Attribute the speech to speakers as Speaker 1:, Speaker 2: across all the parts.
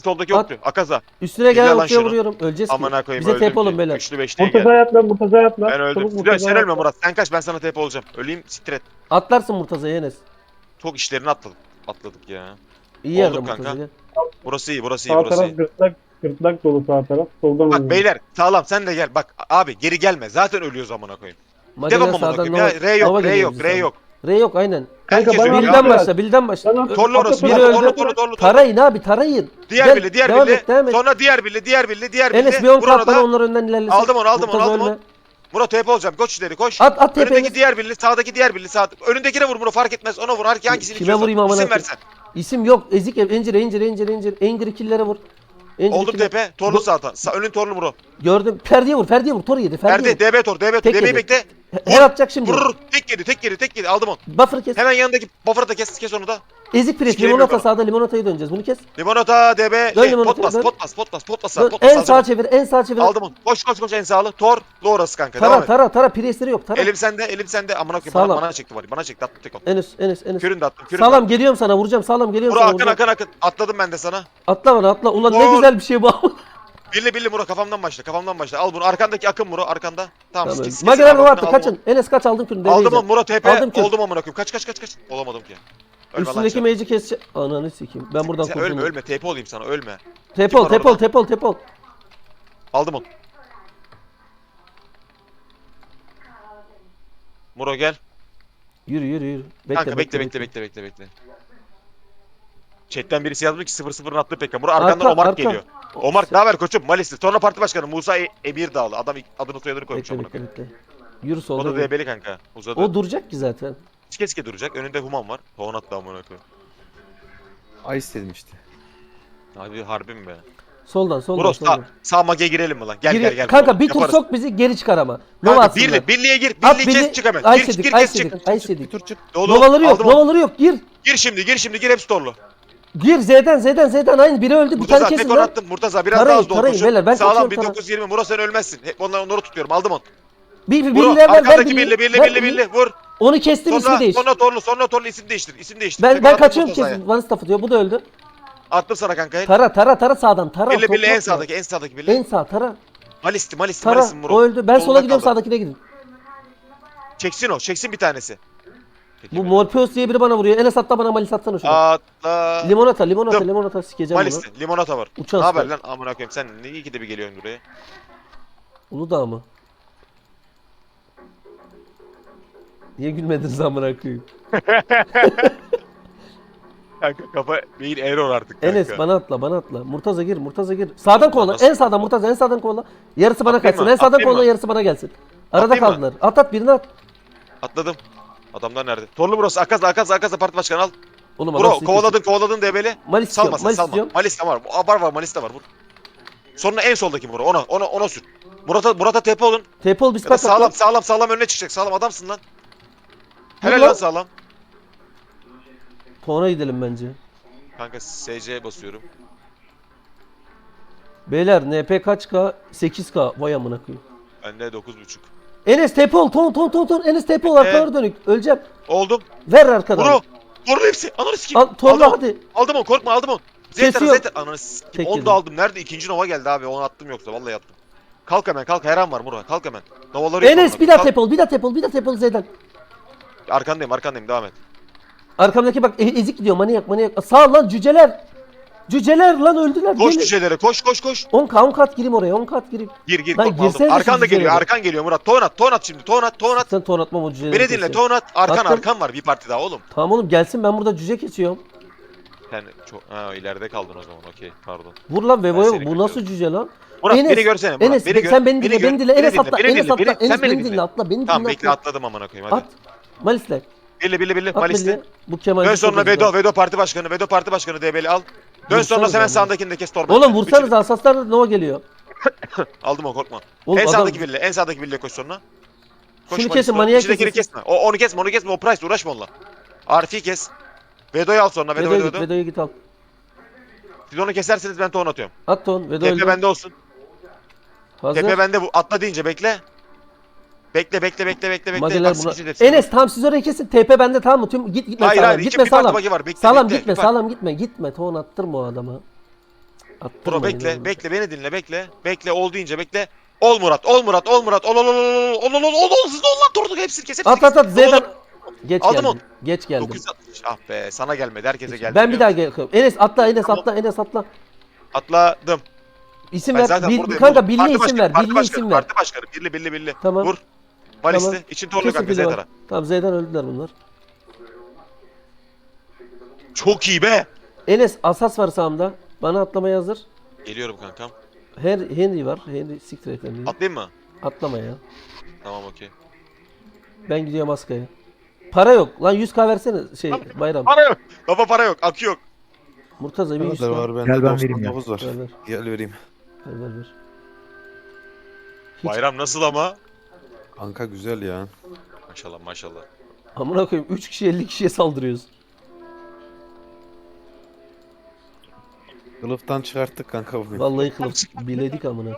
Speaker 1: Soldaki
Speaker 2: At.
Speaker 1: yoktu. Akaza.
Speaker 2: Üstüne
Speaker 1: Gel
Speaker 2: gel
Speaker 1: lan
Speaker 2: okçuya
Speaker 1: şunu.
Speaker 2: vuruyorum. Öleceğiz ki.
Speaker 1: Amına koyayım
Speaker 2: Bize
Speaker 1: öldüm
Speaker 2: TP olun
Speaker 1: ki.
Speaker 2: beyler.
Speaker 1: Üçlü beşliğe
Speaker 3: Murtaza'ya
Speaker 1: gel.
Speaker 3: at lan, Murtaza'ya at lan.
Speaker 1: Ben öldüm.
Speaker 3: Çabuk
Speaker 1: Sen
Speaker 3: Murtaza'ya
Speaker 1: ölme
Speaker 3: at.
Speaker 1: Murat. Sen kaç, ben sana TP olacağım. Öleyim siktir et.
Speaker 2: Atlarsın Murtaza'ya Enes.
Speaker 1: Çok işlerini atladık ya.
Speaker 2: İyi yerde
Speaker 1: Olduk kanka.
Speaker 2: Murtaza gel.
Speaker 1: Burası iyi, burası iyi,
Speaker 3: Sağ
Speaker 1: burası
Speaker 3: taraf
Speaker 1: iyi.
Speaker 3: gırtlak dolu sağ taraf. Soldan
Speaker 1: Bak
Speaker 3: oynuyor.
Speaker 1: beyler sağlam, sen de gel. Bak abi geri gelme. Zaten ölüyoruz amına koyayım.
Speaker 2: Mageler
Speaker 1: Devam amına
Speaker 2: sağdan
Speaker 1: koyayım ya. R yok, R
Speaker 2: geliyor
Speaker 1: yok,
Speaker 2: bize
Speaker 1: R
Speaker 2: sağdan.
Speaker 1: yok.
Speaker 2: R yok aynen.
Speaker 3: Kanka
Speaker 1: Herkes
Speaker 3: bana
Speaker 1: ölüyor.
Speaker 2: Bilden
Speaker 3: abi.
Speaker 2: başla, bilden başla.
Speaker 3: Bana-
Speaker 1: Torlu orası.
Speaker 2: Biri
Speaker 1: Biri
Speaker 2: öldü.
Speaker 1: torlu.
Speaker 2: Tarayın abi, tarayın.
Speaker 1: Diğer
Speaker 2: Gel,
Speaker 1: birli, diğer
Speaker 2: devam
Speaker 1: birli.
Speaker 2: et, devam et.
Speaker 1: Sonra diğer birli.
Speaker 2: Enes bir 10
Speaker 1: Vur onu
Speaker 2: kat bana
Speaker 1: da.
Speaker 2: onlar önden ilerlesin.
Speaker 1: Aldım onu.
Speaker 2: Murtaza
Speaker 1: Aldım
Speaker 2: ölme.
Speaker 1: onu. Murat TP olacağım. Koş ileri koş.
Speaker 2: At TP
Speaker 1: Önündeki
Speaker 2: Enes.
Speaker 1: diğer birli, sağdaki diğer birli. Önündekine vur Murat, fark etmez. Ona vur. Hangisini
Speaker 2: Kime
Speaker 1: istiyorsan.
Speaker 2: vurayım amına
Speaker 1: İsim
Speaker 2: koyayım?
Speaker 1: versen.
Speaker 2: İsim yok. Ezik ev. Encir. Engri killere vur. Encir
Speaker 1: Oldum
Speaker 2: killere-
Speaker 1: TP. Torlu sağdan. Önün torlu Murat.
Speaker 2: Gördüm. Ferdi'ye vur. Tor yedi.
Speaker 1: Nerede? DB tor.
Speaker 2: Tek
Speaker 1: DB'yi
Speaker 2: yedi.
Speaker 1: bekle.
Speaker 2: Her atacak şimdi.
Speaker 1: Vurur. Tek yedi. Aldım onu.
Speaker 2: Buffer kes.
Speaker 1: Hemen yanındaki buffer'ı da kes onu da.
Speaker 2: Ezik pres.
Speaker 1: Sikeyim
Speaker 2: Limonata
Speaker 1: yok
Speaker 2: sağda. Limonata'ya döneceğiz. Bunu kes.
Speaker 1: Limonata DB.
Speaker 2: Dön limonataya, dön.
Speaker 1: Potbas.
Speaker 2: Dön. En sağa çevir. En sağa çevir.
Speaker 1: Aldım onu. Koş en sağlı. Tor. Orası kanka. Devam
Speaker 2: Tara
Speaker 1: et.
Speaker 2: tara. Presleri yok. Tara.
Speaker 1: Elim sende. Amına koyayım.
Speaker 2: Sağlam.
Speaker 1: Bana çekti var. Bana çekti. Attı tek on.
Speaker 2: Enes.
Speaker 1: Kürün de attım.
Speaker 2: Sağlam geliyorum sana. Vuracağım. Sağlam geliyorum
Speaker 1: Murat
Speaker 2: sana. Vuracağım.
Speaker 1: akın. Atladım ben de sana.
Speaker 2: Atla bana atla. Ulan ne
Speaker 1: Vur.
Speaker 2: güzel bir şey bu.
Speaker 1: Billi Murat kafamdan başla. Al bunu. Arkandaki akın Murat arkanda. Tamam.
Speaker 2: Tamam.
Speaker 1: Kes,
Speaker 2: Mageler
Speaker 1: al,
Speaker 2: bu attı.
Speaker 1: al,
Speaker 2: Kaçın. Enes kaç aldın kürünü.
Speaker 1: Aldım onu Murat TP.
Speaker 2: Aldım kür.
Speaker 1: Oldum amına koyayım. Kaç. Olamadım ki. Ölme lan
Speaker 2: Üstündeki
Speaker 1: sen.
Speaker 2: mage'i keseceğim. Ananı sikeyim. Ben buradan
Speaker 1: Sen
Speaker 2: kurtuldum.
Speaker 1: ölme. TP olayım sana. Ölme.
Speaker 2: Tepol.
Speaker 1: Aldım onu. Muro gel.
Speaker 2: Yürü.
Speaker 1: Kanka bekle. Chat'ten birisi yazmış ki 0-0'ın attığı pekka. Muro arkandan
Speaker 2: Arka,
Speaker 1: Omar
Speaker 2: arka.
Speaker 1: geliyor. Omar ne haber koçum? Malisli. Sonra parti başkanı Musa Emir Dağlı. Adam adını soyadını koymuş amına koyayım.
Speaker 2: Bekle. Yürü
Speaker 1: O
Speaker 2: solda.
Speaker 1: da
Speaker 2: yürü.
Speaker 1: DB'li kanka. Uzadı.
Speaker 2: O duracak ki zaten.
Speaker 1: Keske duracak. Önünde Human var. Tohon attı amına koyayım.
Speaker 4: Ice dedim işte.
Speaker 1: Abi harbi mi be?
Speaker 2: Soldan.
Speaker 1: Muro sağ mage girelim mi lan? Gel.
Speaker 2: Kanka
Speaker 1: Muro.
Speaker 2: bir tur
Speaker 1: Yaparız.
Speaker 2: sok bizi geri çıkar ama. Nova
Speaker 1: Kanka
Speaker 2: atsınlar.
Speaker 1: birliğe gir.
Speaker 2: At
Speaker 1: Birliği kes çık hemen. Gir
Speaker 2: Ice
Speaker 1: kes çık.
Speaker 2: yedik.
Speaker 4: Bir tur çık.
Speaker 1: Dolu.
Speaker 2: Novaları yok.
Speaker 1: Aldım onu.
Speaker 2: Novaları yok. Gir.
Speaker 1: Gir şimdi gir hepsi torlu.
Speaker 2: Gir Z'den. Aynı biri öldü. Bir tane
Speaker 1: Murtaza
Speaker 2: kesin
Speaker 1: tek on
Speaker 2: lan.
Speaker 1: attım. Murtaza biraz
Speaker 2: Tarayın,
Speaker 1: daha az dolu.
Speaker 2: tarayın beyler, ben
Speaker 1: Sağlam
Speaker 2: kaçıyorum,
Speaker 1: 1920. Muro sen ölmezsin. Hep onları tutuyorum. Aldım onu.
Speaker 2: Bir
Speaker 1: Muro
Speaker 2: ver
Speaker 1: arkadaki
Speaker 2: birliği.
Speaker 1: birli. Vur.
Speaker 2: Onu kestim ismi değiş.
Speaker 1: Sonra torlu isim değiştir.
Speaker 2: Ben
Speaker 1: Tekrar attım
Speaker 2: kaçıyorum
Speaker 1: Murtaza'ya.
Speaker 2: kesin. One staff diyor. Bu da öldü.
Speaker 1: Attım sana kanka.
Speaker 2: Tara sağdan. Tara.
Speaker 1: Birli
Speaker 2: topla.
Speaker 1: en sağdaki birli.
Speaker 2: En sağ tara.
Speaker 1: Malisti
Speaker 2: Tara.
Speaker 1: Muro.
Speaker 2: O öldü. Ben sola
Speaker 1: Solunda
Speaker 2: gidiyorum
Speaker 1: kaldı.
Speaker 2: sağdakine gidin.
Speaker 1: Çeksin bir tanesi. Peki,
Speaker 2: Bu Morpheus diye biri bana vuruyor. Enes atla bana malis atsana şunu.
Speaker 1: Atla.
Speaker 2: Limonata sikeceğim bunu.
Speaker 1: Malisti. Limonata var.
Speaker 2: Uçan
Speaker 1: Ne haber
Speaker 2: sıkar.
Speaker 1: lan amına koyayım sen ne iyi ki de bir geliyorsun buraya.
Speaker 2: Uludağ mı? Niye gülmediniz amına koyayım?
Speaker 1: Kanka kafa beyin error artık kanka.
Speaker 2: Enes bana atla. Murtaza gir. Sağdan kovala.
Speaker 1: Nasıl?
Speaker 2: En sağdan Murtaza en sağdan kovala. Yarısı bana
Speaker 1: Atlayayım
Speaker 2: kaçsın.
Speaker 1: mı?
Speaker 2: En sağdan
Speaker 1: Atlayayım
Speaker 2: kovala
Speaker 1: mı?
Speaker 2: yarısı bana gelsin. Arada
Speaker 1: Atlayayım mı?
Speaker 2: kaldılar. At birini at.
Speaker 1: Atladım. Adamlar nerede? Torlu burası. Akaza parti başkanı al.
Speaker 2: Oğlum
Speaker 1: Bro
Speaker 2: adam
Speaker 1: kovaladın DB'li.
Speaker 2: Malis istiyorum.
Speaker 1: Salma
Speaker 2: Malis
Speaker 1: salma.
Speaker 2: istiyorum.
Speaker 1: Malis de var. Var Malis de var. Vur. Sonra en soldaki Muro. Ona sür. Murat'a tepe olun.
Speaker 2: Tepol biz
Speaker 1: Ya da
Speaker 2: kaç
Speaker 1: sağlam önüne çıkacak. Sağlam adamsın lan. Helal
Speaker 2: Vur
Speaker 1: lan
Speaker 2: lan.
Speaker 1: sağlam.
Speaker 2: Tona gidelim bence.
Speaker 1: Kanka SC'ye basıyorum.
Speaker 2: Beyler NP kaç K? 8K. Vay amına koyayım.
Speaker 1: Bende 9.5.
Speaker 2: Enes Tepol. Ton. Enes Tepol arkalara dönük. Öleceğim.
Speaker 1: Oldum.
Speaker 2: Ver arkadan.
Speaker 1: Muro. Torlu hepsi. Ananı sikeyim.
Speaker 2: Al Tonla
Speaker 1: Aldım
Speaker 2: hadi.
Speaker 1: Aldım onu. Korkma aldım onu.
Speaker 2: Kesiyor.
Speaker 1: Zeter. Ananı sikeyim.
Speaker 2: Tek
Speaker 1: Onu
Speaker 2: yedim.
Speaker 1: da aldım. Nerede? İkinci Nova geldi abi. Onu attım yoksa. Vallahi attım. Kalk hemen. Her an var Muro. Kalk hemen. Novaları yok
Speaker 2: Enes
Speaker 1: onların.
Speaker 2: bir daha
Speaker 1: Kalk.
Speaker 2: Tepol Z'den.
Speaker 1: Arkandayım. Devam et.
Speaker 2: Arkamdaki bak ezik gidiyor manyak. Sağ lan cüceler. Cüceler lan öldüler.
Speaker 1: Koş
Speaker 2: Gelin.
Speaker 1: düşelere. Koş.
Speaker 2: 10 kat gireyim oraya. 10 kat gireyim.
Speaker 1: Gir.
Speaker 2: Lan
Speaker 1: Korkma
Speaker 2: girsene
Speaker 1: aldım.
Speaker 2: de şu
Speaker 1: Arkan da geliyor.
Speaker 2: cücelere.
Speaker 1: Arkan geliyor Murat. Ton at şimdi. Ton at.
Speaker 2: Sen ton atmam o cüceleri.
Speaker 1: Beni dinle.
Speaker 2: keseceğim.
Speaker 1: Ton at.
Speaker 2: Attım.
Speaker 1: Arkan var. Bir parti daha oğlum.
Speaker 2: Tamam oğlum gelsin ben burada cüce kesiyorum.
Speaker 1: Sen çok ileride kaldın o zaman. Okey. Pardon.
Speaker 2: Vur lan
Speaker 1: Ben
Speaker 2: Vevo'ya
Speaker 1: seni
Speaker 2: bu nasıl cüce lan?
Speaker 1: Murat
Speaker 2: Enes,
Speaker 1: beni görsene. Murat,
Speaker 2: Enes
Speaker 1: beni gör.
Speaker 2: sen beni dinle. Enes atla. Enes
Speaker 1: Sen
Speaker 2: beni dinle atla. Beni
Speaker 1: Tamam
Speaker 2: dinle
Speaker 1: bekle
Speaker 2: atla.
Speaker 1: atladım amına koyayım hadi.
Speaker 2: At. Malisle.
Speaker 1: Birli
Speaker 2: At
Speaker 1: Malis'te.
Speaker 2: belli. Bu Kemal.
Speaker 1: Dön sonra Vedo parti başkanı DB'li al. Dön sonra
Speaker 2: Vursanız
Speaker 1: hemen
Speaker 2: ama.
Speaker 1: sağındakini de kes torba.
Speaker 2: Oğlum vursanız asaslar Nova geliyor.
Speaker 1: Aldım o korkma.
Speaker 2: Oğlum,
Speaker 1: En
Speaker 2: adam-
Speaker 1: sağdaki birliğe koş sonra.
Speaker 2: Şunu kesin, manyak
Speaker 1: İçindekini
Speaker 2: kesin.
Speaker 1: kesme. Onu kesme. O price uğraşma onunla. Arif'i kes. Vedo'yu al sonra. Vedo.
Speaker 2: Vedo'ya git al.
Speaker 1: Siz onu keserseniz ben ton atıyorum.
Speaker 2: At ton. Vedo
Speaker 1: Tepe
Speaker 2: öldü.
Speaker 1: bende olsun.
Speaker 2: Hazır.
Speaker 1: Tepe bende bu. Atla deyince bekle. Bekle.
Speaker 2: Mageler
Speaker 1: Bak,
Speaker 2: buna.
Speaker 1: sıkıcı hepsi.
Speaker 2: Enes tam siz oraya kesin. TP bende tamam mı? Tüm gitme
Speaker 1: Hayır
Speaker 2: sağlam.
Speaker 1: hayır.
Speaker 2: Gitme
Speaker 1: Bir parti
Speaker 2: sağlam.
Speaker 1: bagi var. Bekle.
Speaker 2: Sağlam
Speaker 1: bekle.
Speaker 2: gitme,
Speaker 1: Bir
Speaker 2: sağlam gitme. Gitme ton attırma o adama. Attırma
Speaker 1: Bro bekle,
Speaker 2: yine.
Speaker 1: bekle beni dinle, bekle. Bekle ol deyince bekle. Ol Murat, ol Murat, ol Murat. Ol hızlı ol lan Torduk hepsini kes, hepsini
Speaker 2: At at
Speaker 1: kes.
Speaker 2: at Z'den. Geç
Speaker 1: Aldım
Speaker 2: geldim.
Speaker 1: onu.
Speaker 2: Geç geldim.
Speaker 1: 960. Ah be, sana gelmedi, herkese geldi.
Speaker 2: Ben bir daha
Speaker 1: biliyor musun?
Speaker 2: gel. Enes atla Enes
Speaker 1: Tamam.
Speaker 2: atla Enes atla.
Speaker 1: Atladım.
Speaker 2: İsim
Speaker 1: Ben
Speaker 2: ver.
Speaker 1: zaten buradayım.
Speaker 2: Kanka
Speaker 1: oğlum.
Speaker 2: birliğe
Speaker 1: Parti
Speaker 2: isim ver.
Speaker 1: başkanı,
Speaker 2: Birliğe
Speaker 1: parti
Speaker 2: isim
Speaker 1: başkanı,
Speaker 2: ver.
Speaker 1: Parti başkanı, birli.
Speaker 2: Tamam.
Speaker 1: Vur. Malisti,
Speaker 2: Tamam.
Speaker 1: için torlu
Speaker 2: Kesin
Speaker 1: kanka
Speaker 2: fili var.
Speaker 1: Zeytara.
Speaker 2: Tamam Z'den öldüler bunlar.
Speaker 1: Çok iyi be.
Speaker 2: Enes asas var sağımda. Bana atlamaya hazır.
Speaker 1: Geliyorum kankam.
Speaker 2: Henry var. Henry siktir et Henry'yi.
Speaker 1: Atlayayım mı?
Speaker 2: Atlama ya.
Speaker 1: Tamam okey.
Speaker 2: Ben gidiyorum Aska'ya. Para yok. Lan 100k versene şey Bayram.
Speaker 1: Para yok. Baba para yok, akü yok.
Speaker 2: Murtaza bir 100k.
Speaker 4: Kadar var bende.
Speaker 5: Gel ben vereyim ya.
Speaker 4: 99 var.
Speaker 2: Ver ver.
Speaker 4: Gel vereyim.
Speaker 2: Ver. Hiç-
Speaker 1: Bayram nasıl ama?
Speaker 4: Kanka güzel ya.
Speaker 1: Maşallah maşallah.
Speaker 2: Amına koyayım 3 kişi 50 kişiye saldırıyoruz.
Speaker 4: Kılıftan çıkarttık kanka bugün.
Speaker 2: Vallahi kılıf biledik amına.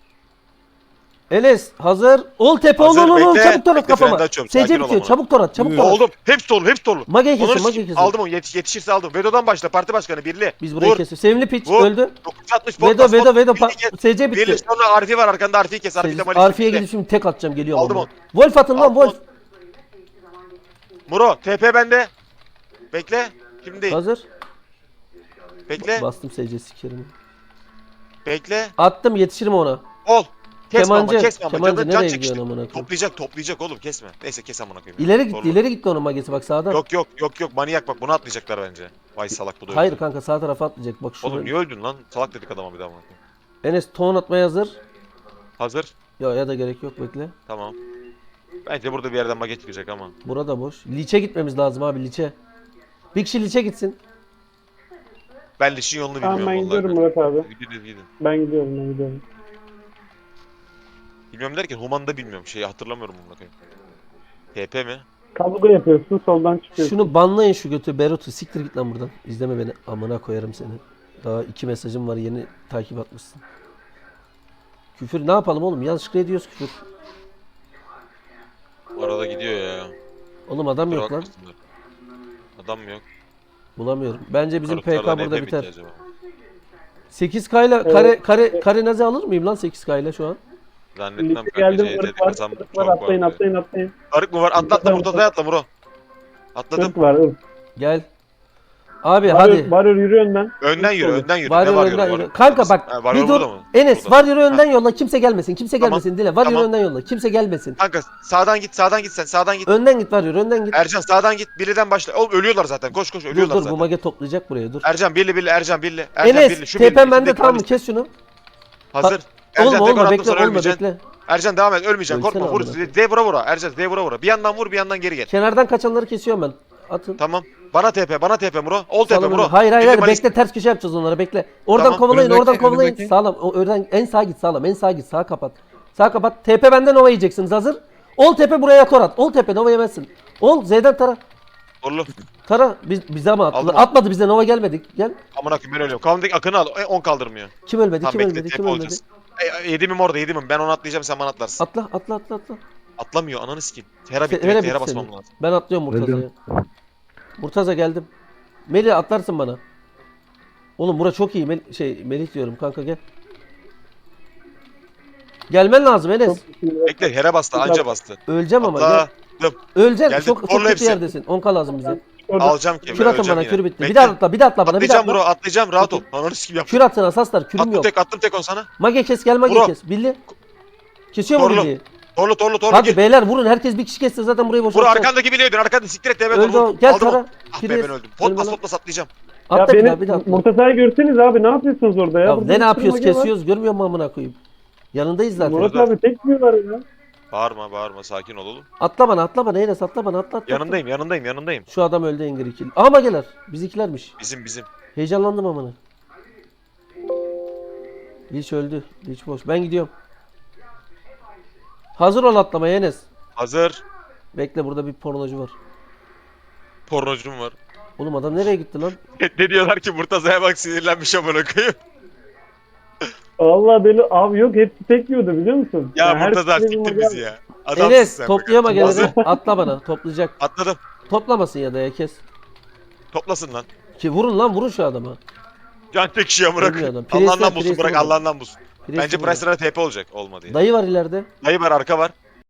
Speaker 2: Enes hazır. Ol tepe ol
Speaker 1: Hazır,
Speaker 2: ol
Speaker 1: bekle.
Speaker 2: çabuk torat
Speaker 1: Bekle,
Speaker 2: kafama.
Speaker 1: freni açıyorum,
Speaker 2: SC
Speaker 1: sakin ol
Speaker 2: bitiyor
Speaker 1: amına.
Speaker 2: çabuk torat çabuk
Speaker 4: Yürü.
Speaker 2: torat.
Speaker 1: Oldum. Hepsi dolu, hepsi dolu.
Speaker 2: Mage'yi
Speaker 1: Onları
Speaker 2: kesin Mage'yi kesin.
Speaker 1: aldım onu, yetişirse aldım. Vedo'dan başla, parti başkanı birli.
Speaker 2: Biz burayı
Speaker 1: Vur,
Speaker 2: kesiyoruz. Sevimli piç
Speaker 1: vur.
Speaker 2: öldü.
Speaker 1: 960
Speaker 2: Vedo
Speaker 1: birli kes.
Speaker 2: SC bitti.
Speaker 1: Birli sonra Arif'i var arkanda, Arif'i kes. Arif'i de Malis'i
Speaker 2: Arfi'ye
Speaker 1: bitti.
Speaker 2: gidip şimdi tek atacağım geliyorum.
Speaker 1: Aldım
Speaker 2: amına. Wolf atın lan
Speaker 1: Aldım
Speaker 2: Wolf.
Speaker 1: Muro, TP bende. Bekle. Şimdi değil.
Speaker 2: Hazır.
Speaker 1: Bekle.
Speaker 2: Bastım SC sikerim.
Speaker 1: Bekle.
Speaker 2: Attım yetişirim ona.
Speaker 1: Ol. Kesme ama,
Speaker 2: Kemancı.
Speaker 1: kesme ama.
Speaker 2: Kemancı
Speaker 1: Can
Speaker 2: nereye
Speaker 1: çek işte.
Speaker 2: gidiyorsun amına koyayım?
Speaker 1: Toplayacak oğlum, kesme. Neyse kes amına koyayım.
Speaker 2: İleri gitti
Speaker 1: Doğru.
Speaker 2: ileri gitti onun magesi bak sağdan.
Speaker 1: Yok manyak bak, bunu atlayacaklar bence. Vay salak bu da öldü.
Speaker 2: Hayır kanka sağ tarafa atlayacak bak şurada.
Speaker 1: Oğlum niye öldün lan? Salak dedik adama bir daha amına koyayım.
Speaker 2: Enes ton atmaya hazır.
Speaker 1: Hazır.
Speaker 2: Ya da gerek yok bekle.
Speaker 1: Tamam. Bence burada bir yerden maget çıkacak ama.
Speaker 2: Burada boş. Liç'e gitmemiz lazım abi Liç'e. Bir kişi Liç'e gitsin.
Speaker 1: Ben Liş'in yolunu
Speaker 3: Tamam
Speaker 1: bilmiyorum
Speaker 3: ben gidiyorum
Speaker 1: vallahi.
Speaker 3: Murat abi.
Speaker 1: Gidin.
Speaker 3: Ben gidiyorum.
Speaker 1: Bilmiyorum derken Human'ı da bilmiyorum. Şeyi hatırlamıyorum bunu koyayım. TP mi?
Speaker 3: Kabuga yapıyorsun soldan çıkıyorsun.
Speaker 2: Şunu banlayın şu götü Berut'u. Siktir git lan buradan. İzleme beni. Amına koyarım seni. Daha 2 mesajım var yeni takip atmışsın. Küfür ne yapalım oğlum? Yanlışlıkla ediyoruz küfür.
Speaker 1: Arada gidiyor ya.
Speaker 2: Oğlum adam
Speaker 1: Kusura
Speaker 2: yok lan.
Speaker 1: bakmasınlar. Adam mı yok?
Speaker 2: Bulamıyorum. Bence bizim PK
Speaker 1: Karutlardan
Speaker 2: burada
Speaker 1: evde mi
Speaker 2: biter.
Speaker 1: ki acaba?
Speaker 2: 8K ile
Speaker 3: Evet.
Speaker 2: kare nazi alır mıyım lan 8K ile şu an?
Speaker 1: Zannetmem kanka.
Speaker 3: Geldim
Speaker 1: CT'de
Speaker 3: ırk var.
Speaker 1: kazan
Speaker 3: Irk var
Speaker 1: çok
Speaker 3: atlayın
Speaker 1: var.
Speaker 3: atlayın.
Speaker 1: Arık mı var? Atla Murtaza'ya atla Muro. Atladım.
Speaker 3: Irk var ırk.
Speaker 2: Gel. Abi hadi.
Speaker 3: Varıyor yürü önden.
Speaker 1: Önden yürü, önden yürü.
Speaker 2: Var
Speaker 1: Ne var
Speaker 2: önden
Speaker 1: yürü?
Speaker 2: yürü. Kanka bak
Speaker 1: Ha, var
Speaker 2: bir
Speaker 1: yürü
Speaker 2: dur.
Speaker 1: burada mı?
Speaker 2: Enes
Speaker 1: Burada.
Speaker 2: var yürü önden yolla. Kimse gelmesin. Kimse
Speaker 1: Tamam,
Speaker 2: gelmesin. Dile. Var yürü
Speaker 1: tamam.
Speaker 2: önden yolla. Kimse gelmesin.
Speaker 1: Kanka sağdan git sen. Önden git.
Speaker 2: Önden git var yürü önden git.
Speaker 1: Ercan sağdan git. Birli'den başla. Oğlum ölüyorlar zaten. Koş
Speaker 2: Dur
Speaker 1: ölüyorlar
Speaker 2: dur bu
Speaker 1: zaten.
Speaker 2: mage toplayacak buraya dur.
Speaker 1: Ercan Birli. Ercan Birli.
Speaker 2: Enes
Speaker 1: Şu
Speaker 2: TP'm
Speaker 1: Birli,
Speaker 2: bende
Speaker 1: içindeki
Speaker 2: tamam mı?
Speaker 1: Malis'te.
Speaker 2: Kes şunu.
Speaker 1: Hazır. Ercan
Speaker 2: Olma
Speaker 1: tekrar
Speaker 2: olma
Speaker 1: attım
Speaker 2: bekle
Speaker 1: sonra
Speaker 2: olma
Speaker 1: ölmeyeceksin.
Speaker 2: bekle.
Speaker 1: Ercan devam et, ölmeyeceksin.
Speaker 2: Ölsene
Speaker 1: Korkma. Vur.
Speaker 2: amına.
Speaker 1: Vura. Ercan vura. Bir yandan vur, bir yandan geri gel.
Speaker 2: Kenardan kaçanları kesiyorum ben. Atın.
Speaker 1: Tamam. Bana TP Muro. Ol TP
Speaker 2: Sağlam
Speaker 1: Muro.
Speaker 2: önde. Hayır
Speaker 1: Birli Malis-
Speaker 2: bekle ters köşe yapacağız onlara bekle. Oradan
Speaker 1: Tamam.
Speaker 2: kovalayın
Speaker 4: Önündeki,
Speaker 2: oradan kovalayın.
Speaker 4: önündeki.
Speaker 2: Sağlam. O oradan en sağa git sağlam. En sağa git sağa kapat. Sağa kapat. TP benden Nova yiyeceksiniz hazır. Ol tepe buraya torat. Ol tepe Nova yemezsin. Ol Z'den tara.
Speaker 1: Torlu.
Speaker 2: Tara bize ama attılar.
Speaker 1: Aldım.
Speaker 2: Atmadı bize Nova gelmedik. Gel.
Speaker 1: Amına koyayım ben ölüyorum. Kavundaki Akın'ı al. 10 kaldırmıyor.
Speaker 2: Kim ölmedi?
Speaker 1: Tamam
Speaker 2: Kim
Speaker 1: bekle
Speaker 2: ölmedi?
Speaker 1: TP
Speaker 2: Kim ölmedi?
Speaker 1: olacağız. Yedimim orada yedimim. Ben onu atlayacağım, sen bana atlarsın.
Speaker 2: Atla.
Speaker 1: Atlamıyor ananı sikeyim. Hera bitti.
Speaker 2: Hera
Speaker 1: Bekle, Hera
Speaker 2: bitti
Speaker 1: basmam
Speaker 2: senin.
Speaker 1: lazım.
Speaker 2: Ben atlıyorum Murtaza'ya. Murtaza geldim. Melih atlarsın bana. Oğlum bura çok iyi. Melih diyorum kanka gel. Gelmen lazım Enes.
Speaker 1: Bekle Hera bastı, anca bastı.
Speaker 2: Öleceğim ama gel.
Speaker 1: Atladım.
Speaker 2: Öleceksin.
Speaker 1: Geldim.
Speaker 2: Çok
Speaker 1: Torlu
Speaker 2: kötü
Speaker 1: hepsi.
Speaker 2: yerdesin. 10k lazım bize.
Speaker 1: Alacağım ki.
Speaker 2: Kür atın bana, kür bitti.
Speaker 1: Bekle.
Speaker 2: Bir daha atla bana. Bir daha
Speaker 1: Atlayacağım
Speaker 2: atla.
Speaker 1: bro, atlayacağım. Rahat ol. Ananı sikeyim yap.
Speaker 2: Kür atın asaslar. Kürüm yok.
Speaker 1: Attım tek on sana.
Speaker 2: Mage kes gel mage
Speaker 1: Vur o.
Speaker 2: kes. Billi. Kesiyor mu
Speaker 1: Torlu.
Speaker 2: billiyi?
Speaker 1: Torlu
Speaker 2: Hadi
Speaker 1: gir.
Speaker 2: beyler vurun. Herkes bir kişi kesse zaten burayı
Speaker 1: Vur
Speaker 2: boşaltacak.
Speaker 1: arkandaki bileydin. Arkanda siktir et. Evet
Speaker 2: Öldü o.
Speaker 1: onu.
Speaker 2: Gel
Speaker 1: Aldım
Speaker 2: Tara.
Speaker 1: onu. Ah be
Speaker 2: Kiriz.
Speaker 1: ben öldüm.
Speaker 2: Ölme lan.
Speaker 1: Potlas atlayacağım.
Speaker 3: Ya
Speaker 2: Atla bir daha
Speaker 3: beni
Speaker 2: atla.
Speaker 3: Murtaza'yı görseniz abi ne yapıyorsunuz orada ya?
Speaker 2: Ya
Speaker 3: Burada
Speaker 2: ne
Speaker 3: bir sürü
Speaker 2: yapıyoruz?
Speaker 3: mage var.
Speaker 2: Kesiyoruz. Görmüyor musun amına koyayım? Yanındayız zaten.
Speaker 3: Murat abi tek diyorlar ya.
Speaker 1: Bağırma sakin ol oğlum.
Speaker 2: Atla bana Enes atla bana atla.
Speaker 1: Yanındayım.
Speaker 2: Şu adam öldü Engin ikili. Ama gelir. Bizikilermiş.
Speaker 1: Bizim.
Speaker 2: Heyecanlandım amına. Liç öldü. Liç boş. Ben gidiyorum. Hazır ol atlamaya Enes.
Speaker 1: Hazır.
Speaker 2: Bekle burada bir pornocu var.
Speaker 1: Pornocum var.
Speaker 2: Oğlum adam nereye gitti lan?
Speaker 1: Ne diyorlar ki Murtaza'ya bak sinirlenmiş amına koyayım.
Speaker 3: Allah deli abi yok hepsi tek diyordu biliyor musun?
Speaker 1: Ya
Speaker 3: Yani her
Speaker 1: Murtaza
Speaker 3: birinin
Speaker 1: siktir
Speaker 3: mage-
Speaker 1: bizi ya. Adamsın
Speaker 2: Enes
Speaker 1: sen
Speaker 2: toplayama
Speaker 1: bugün. Hazır.
Speaker 2: gelene. Atla bana. Toplayacak.
Speaker 1: Atladım.
Speaker 2: Toplamasın ya da ya kes.
Speaker 1: Toplasın lan.
Speaker 2: Ki vurun lan vurun şu adama.
Speaker 1: Can tek kişi amına
Speaker 2: Ölmüyor
Speaker 1: koyayım.
Speaker 2: adam. Priest'ler,
Speaker 1: Allah'ından bulsun
Speaker 2: Priest'ler
Speaker 1: bırak
Speaker 2: burada.
Speaker 1: Allah'ından bulsun.
Speaker 2: Priest
Speaker 1: Bence
Speaker 2: burada.
Speaker 1: Price'lara TP olacak olmadı ya.
Speaker 2: Dayı var ileride.
Speaker 1: Dayı var arka var.